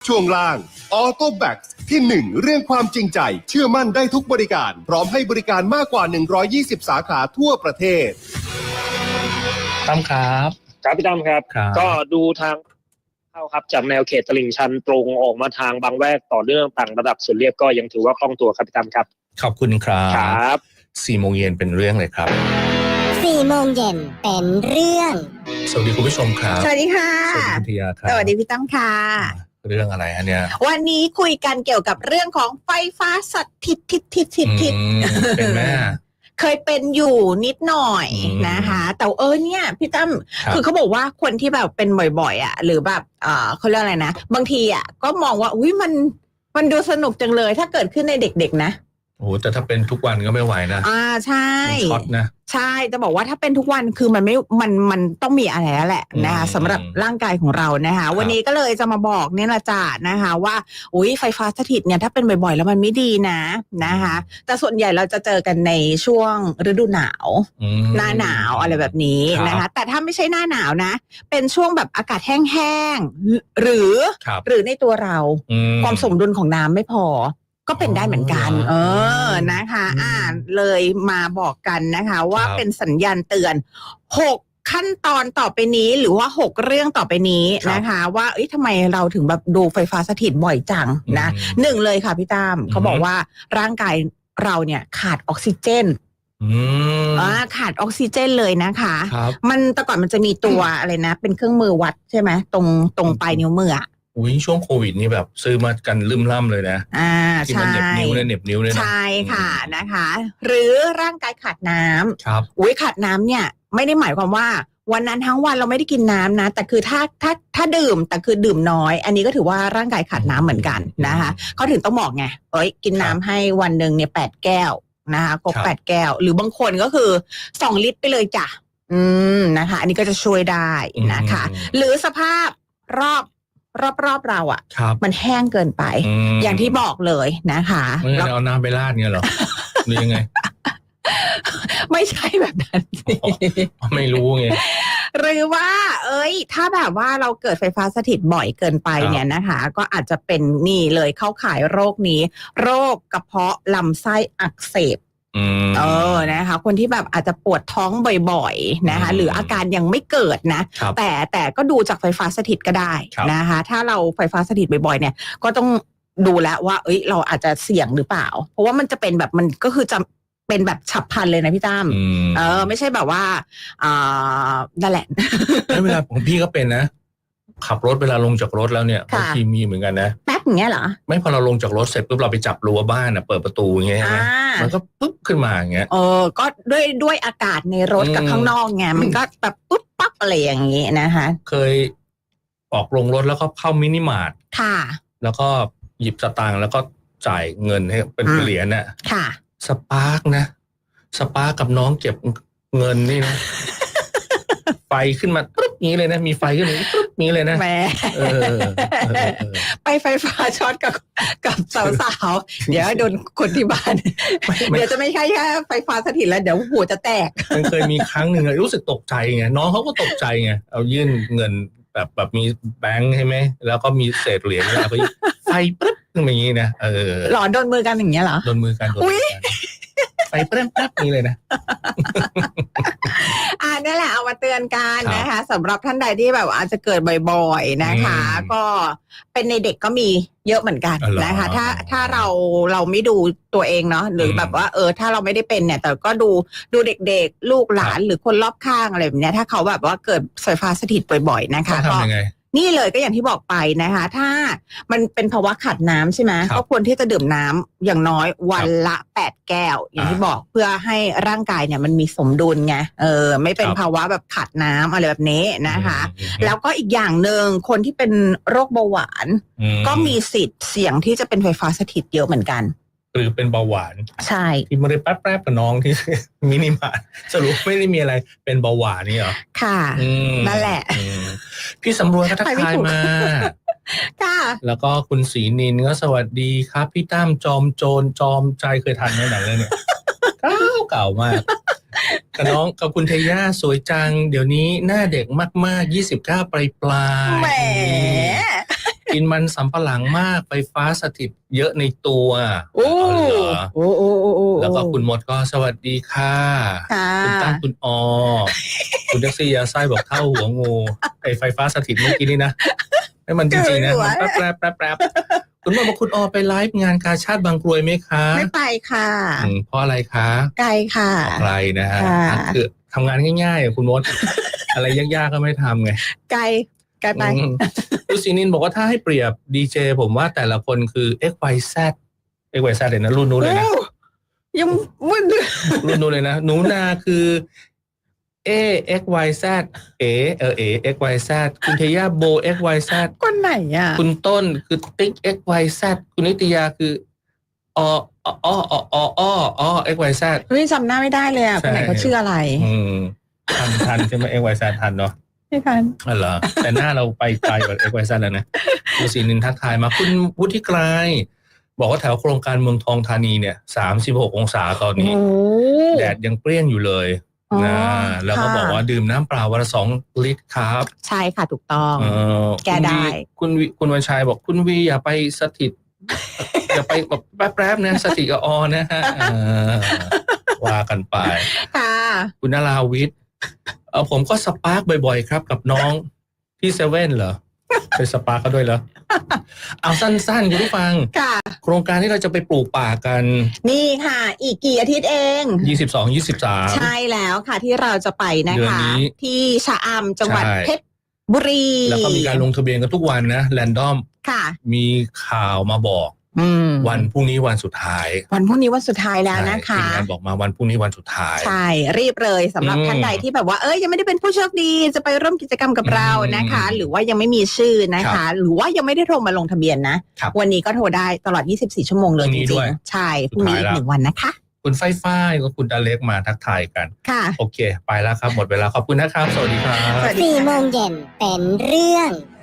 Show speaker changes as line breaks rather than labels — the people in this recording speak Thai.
ช่วงล่างออโต้แบ็กที่ 1 เรื่องความจริงใจเชื่อมั่นได้ทุกบริการพร้อมให้บริการมากกว่า120สาขาทั่วประเทศ
ตั้มครับ
ครับพี่ตั้มครับก็ดูทางเข้าครับจากแนวเขตตลิ่งชันตรงออกมาทางบางแวกต่อเนื่องต่างระดับส่วนเรียบก็ยังถือว่าคล่องตัวครับพี่ตั้มครับ
ขอบคุณครับ4 โมงเย็นเป็นเรื่องเลยครับ
4 โมงเย็นเป็นเรื่อง
สวัสดีคุณผู้ชมครับ
สวัสดีค่ะ
สวัสดีคุณธียาครับ
สวัสดีพี่ตั้มค่ะ
เรื่องอะไรฮะเนี่ย
วันนี้คุยกันเกี่ยวกับเรื่องของไฟฟ้าสถิต
เป็นแม่
เคยเป็นอยู่นิดหน่อยนะคะแต่เนี่ยพี่ตั้มคือเขาบอกว่าคนที่แบบเป็นบ่อยๆอ่ะหรือแบบเขาเรียกอะไรนะบางทีอ่ะก็มองว่าอุ้ยมันดูสนุกจังเลยถ้าเกิดขึ้นในเด็กๆนะ
โอ้แต่ถ้าเป็นทุกวันก็ไม่ไหวนะ
ใช่
ช็อตนะ
ใช่จะบอกว่าถ้าเป็นทุกวันคือมันต้องมีอะไรแล้วแหละนะคะสำหรับร่างกายของเรานะคะวันนี้ก็เลยจะมาบอกเนี่ยละจ้านะคะว่าอุ้ยไฟฟ้าสถิตเนี่ยถ้าเป็นบ่อยๆแล้วมันไม่ดีนะคะแต่ส่วนใหญ่เราจะเจอกันในช่วงฤดูหนาวหน้าหนาวอะไรแบบนี้นะคะแต่ถ้าไม่ใช่หน้าหนาวนะเป็นช่วงแบบอากาศแห้งๆหรือในตัวเราความสมดุลของน้ำไม่พอก็เป็นได้เหมือนกันนะคะเลยมาบอกกันนะคะว่าเป็นสัญญาณเตือน6ขั้นตอนต่อไปนี้หรือว่า6เรื่องต่อไปนี้นะคะว่าทำไมเราถึงแบบดูไฟฟ้าสถิตบ่อยจังนะ1เลยค่ะพี่ตั้มเขาบอกว่าร่างกายเราเนี่ยขาดออกซิเจนขาดออกซิเจนเลยนะคะมันแต่ก่อนมันจะมีตัวอะไรนะเป็นเครื่องมือวัดใช่ไหมตรงปลายนิ้วมือ
อุ้ยช่วงโควิดนี่แบบซื้อมากันลืมล่ำเลยนะที่มันเหน็บนิ้วเลยนะ
ใช่ค่ะนะคะหรือร่างกายขาดน้ำ
ครับ
อุ้ยขาดน้ำเนี่ยไม่ได้หมายความว่าวันนั้นทั้งวันเราไม่ได้กินน้ำนะแต่คือถ้าดื่มแต่คือดื่มน้อยอันนี้ก็ถือว่าร่างกายขาดน้ำเหมือนกันนะคะเขาถึงต้องบอกไงกินน้ำให้วันหนึ่งเนี่ย8 แก้วนะคะครบ8 แก้วหรือบางคนก็คือ2 ลิตรไปเลยจ้ะนะคะอันนี้ก็จะช่วยได้นะคะหรือสภาพรอบเราอ่ะมันแห้งเกินไปอย่างที่บอกเลยนะคะ
แล้วเอาน้ำไปราดเงี้ยเหรอหรือยังไง
ไม่ใช่แบบนั้น
ไม่รู้ไง
หรือว่าถ้าแบบว่าเราเกิดไฟฟ้าสถิตบ่อยเกินไปเนี่ยนะคะก็อาจจะเป็นนี่เลยเข้าข่ายโรคนี้โรคกระเพาะลำไส้อักเสบนะคะคนที่แบบอาจจะปวดท้องบ่อยๆนะคะหรืออาการยังไม่เกิดนะแต่ก็ดูจากไฟฟ้าสถิตก็ได้นะคะถ้าเราไฟฟ้าสถิตบ่อยๆเนี่ยก็ต้องดูแล้วว่าเราอาจจะเสี่ยงหรือเปล่าเพราะว่ามันจะเป็นแบบมันก็คือจะเป็นแบบฉับพลันเลยนะพี่ตั้มไม่ใช่แบบว่านั่นแหละ
เวลาของพี่ก็เป็นนะขับรถเวลาลงจากรถแล้วเนี่ยบางทีมีเหมือนกันนะ
แป๊บอย่างเงี้ยเหรอ
ไม่พอเราลงจากรถเสร็จปุ๊บเราไปจับรั้วบ้านเปิดประตูอย่างเงี้ยมันก็ปุ๊บขึ้นมาอย่างเงี้ย
ก็ด้วยอากาศในรถกับข้างนอกไงมันก็แบบปุ๊บปั๊บอะไรอย่างงี้นะคะ
เคยออกลงรถแล้วก็เข้ามินิมาร์ท
ค่ะ
แล้วก็หยิบสตางค์แล้วก็จ่ายเงินให้เป็นเหรียญน่ะ
ค่ะ
สปาร์กกับน้องเก็บเงินนี่นะไฟขึ้นมาปุ๊บนี้เลยนะมีไฟขึ้นมาปุ๊บนี้เลยนะ
แหมไปไฟฟ้าช็อตกับสาวๆเดี๋ยวโดนคนที่บ้านเดี๋ยวจะไม่ใช่แค่ไฟฟ้าสถิตแล้วเดี๋ยวหัวจะแตก
มันเคยมีครั้งหนึ่งรู้สึกตกใจไงน้องเขาก็ตกใจไงเอายื่นเงินแบบมีแบงค์ใช่ไหมแล้วก็มีเศษเหรียญแล้วก็ไฟปุ๊บขึ้นมาอย่างนี้นะ
หลอนโดนมือกันอย่างเงี้ยเหรอ
โดนมือกันไปแป๊บนี้เลยนะ
นี่แหละเอามาเตือนกันนะคะสำหรับท่านใดที่แบบอาจจะเกิดบ่อยๆนะคะก็เป็นในเด็กก็มีเยอะเหมือนกันนะคะถ้าเราไม่ดูตัวเองเนาะหรือแบบว่าถ้าเราไม่ได้เป็นเนี่ยแต่ก็ดูเด็กๆลูกหลานหรือคนรอบข้างอะไรแบบนี้ถ้าเขาแบบว่าเกิดไฟฟ้าสถิตบ่อยๆนะคะก็นี่เลยก็อย่างที่บอกไปนะคะถ้ามันเป็นภาวะขาดน้ำใช่ไหมก็ควรที่จะดื่มน้ำอย่างน้อยวันละ8 แก้วอย่างที่บอกเพื่อให้ร่างกายเนี่ยมันมีสมดุลไงไม่เป็นภาวะแบบขาดน้ำอะไรแบบนี้นะคะแล้วก็อีกอย่างหนึ่งคนที่เป็นโรคเบาหวานก็มีสิทธิ์เสี่ยงที่จะเป็นไฟฟ้าสถิตเยอะเหมือนกัน
หรือเป็นเบาหวาน
ใช่
ที่มาเลยแป๊บๆกับน้องที่มินิมาร์ทสรุปไม่ได้มีอะไรเป็นเบาหวานนี่เหรอ
ค่ะนั่นแหละ
พี่สำรวยก็ทักทายมา
ค่ะ
แล้วก็คุณศรีนินก็สวัสดีครับพี่ตั้มจอมโจรจอมใจเคยทันไหมหนังเรื่องเนี่ยเก่ามากกับน้องกับคุณเทย่าสวยจังเดี๋ยวนี้หน้าเด็กมากๆ29 ปลาย
แหม
กินมันสำปะหลังมากไฟฟ้าสถิตเยอะในตัว
โอ้
อ๋อเหรอ
โอ้โอ้โอ้โอ้
แล้วก็คุณมดก็สวัสดีค่ะ
ค่ะ
คุณตั้งคุณอคุณแท็กซี่ยาไส้บอกเท่าหัวงูไฟฟ้าสถิตเมื่อกี้นี่นะให้มันจริงๆนะมันแป๊บคุณบอกว่าคุณไปไลฟ์งานกาชาติบางกรวยไหมคะ
ไม่ไปค่ะ
เพราะอะไรคะ
ไกลค่ะ
ไกลนะฮะ
ค่ะ
คือทำงานง่ายๆคุณมด อะไรยากๆก็ไม่ทำไง
ไกลไป
คุณศรีนินบอกว่าถ้าให้เปรียบดีเจผมว่าแต่ละคนคือ XYZ เลยนะรุ่นนู้นเลยนะ
โอ้ยังมึน
รุ่นนู้นเลยนะหนูนาคือ XYZ XYZ คุณเทย่าโบ XYZ
คนไหนอ่ะ
คุณต้นคือติ๊ก XYZ คุณนิตยาคือXYZ
เฮ้ยจำหน้าไม่ได้เลยอ่ะคนไหนเขาชื่ออะไร
ทันใช่ไหม XYZ ทันเนาะ
ไม่ทัน
อ๋อเหรอแต่หน้าเราไปไกลกว่า XYZ แล้วนะคุณศรีนินทักทายมาคุณวุฒิไกรบอกว่าแถวโครงการเมืองทองธานีเนี่ย36 องศาตอนนี้
โอ้
แดดยังเปรี้ยงอยู่เลย
อ๋อ
นะแล้วก็
ค่ะ
บอกว่าดื่มน้ำเปล่าวันละ2 ลิตรครับ
ใช่ค่ะถูกต้อง แก้ได้
คุณวันชัยบอกคุณวีอย่าไปสถิต อย่าไปแบบแป๊บๆนะสถิตกับนะฮะว่ากันไป
ค่ะ
คุณนราวิทย์ผมก็สปาร์กบ่อยๆครับกับน้องที่เซเว่นเหรอไปสปาร์กเขาด้วยเหรอเอาสั้นๆคุณผู้ฟัง
ค่ะ
โครงการที่เราจะไปปลูกป่ากัน
นี่ค่ะ อีกกี่อาทิตย์เอง
22-23
ใช่แล้วค่ะที่เราจะไปนะ
เดือน
คะ
นี้
ที่ชะอำจังหวัด
ใช่
เพชรบุรี
แล้วก็มีการลงทะเบียนกันทุกวันนะแรนดอม
ค่ะ
มีข่าวมาบอก วันพรุ่งนี้วันสุดท้าย
วันพรุ่งนี้วันสุดท้ายแล้วนะคะ
ทีมงานบอกมาวันพรุ่งนี้วันสุดท้าย
ใช่รีบเลยสำหรับ ท่านใดที่แบบว่ายังไม่ได้เป็นผู้โชคดีจะไปร่วมกิจกรรมกับเรานะคะ หรือว่ายังไม่มีชื่อนะคะ หรือว่ายังไม่ได้โทรมาลงทะเบียนนะ
ครับ
วันนี้ก็โทรได้ตลอด 24 ชั่วโมงเลย
พรุ่
จ
งนี้
ริ
ด้
ง
วย
ๆใช่พรุ่งนี้อีก
สุดท้ายแล้ว
1 วันนะคะ
คุณไฟฟ้ายกับคุณอเล็กมาทักทายกัน
ค่ะ
โอเค ไปแล้วครับ หมดเวลาขอบคุณนะครับ สวัสดีครับ
สวัสดี
4 โมงเย็นเป็นเรื่อง